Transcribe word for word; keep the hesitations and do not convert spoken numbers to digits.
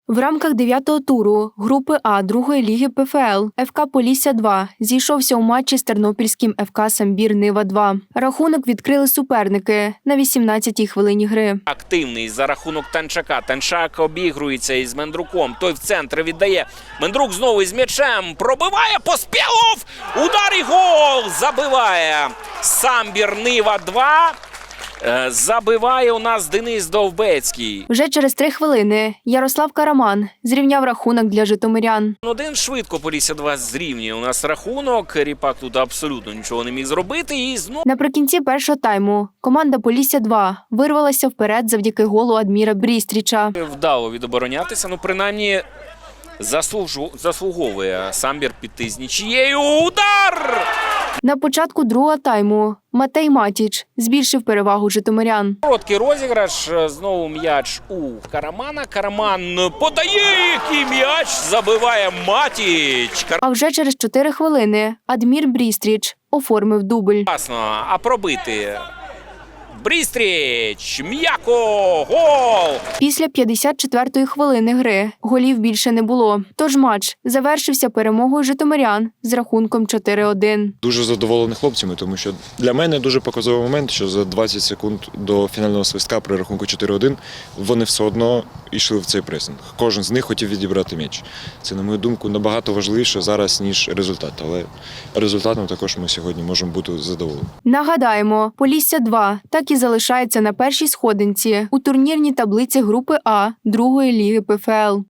В рамках дев'ятого туру групи А другої ліги ПФЛ ФК Полісся-два зійшовся у матчі з тернопільським ФК Самбір-Нива-два. Рахунок відкрили суперники на вісімнадцятій хвилині гри. Активний за рахунок Танчака. Танчак обігрується із Мендруком. Той в центр віддає. Мендрук знову із м'ячем. Пробиває Поспєлов! Удар і гол! Забиває Самбір-Нива-два. Забиває у нас Денис Довбецький. Вже через три хвилини Ярослав Караман зрівняв рахунок для житомирян. Один швидко Полісся-два зрівнює у нас рахунок. Ріпак тут абсолютно нічого не міг зробити. І знову... Наприкінці першого тайму команда Полісся-два вирвалася вперед завдяки голу Адміра Брістріча. Вдало відоборонятися, ну принаймні заслужу... заслуговує Самбір піти з нічією. Удар! На початку другого тайму Матей Матіч збільшив перевагу житомирян. Короткий розіграш, знову м'яч у Карамана. Караман подає, який м'яч забиває Матіч. А вже через чотири хвилини Адмір Брістріч оформив дубль. Класно, а пробити Брістріч, м'яко, гол! Після п'ятдесят четвертої хвилини гри голів більше не було. Тож матч завершився перемогою житомирян з рахунком чотири один. Дуже задоволений хлопцями, тому що для мене дуже показовий момент, що за двадцять секунд до фінального свистка при рахунку чотири один вони все одно йшли в цей пресинг. Кожен з них хотів відібрати м'яч. Це, на мою думку, набагато важливіше зараз, ніж результат. Але результатом також ми сьогодні можемо бути задоволені. Нагадаємо, Полісся-два так і залишається на першій сходинці у турнірній таблиці групи А другої ліги ПФЛ.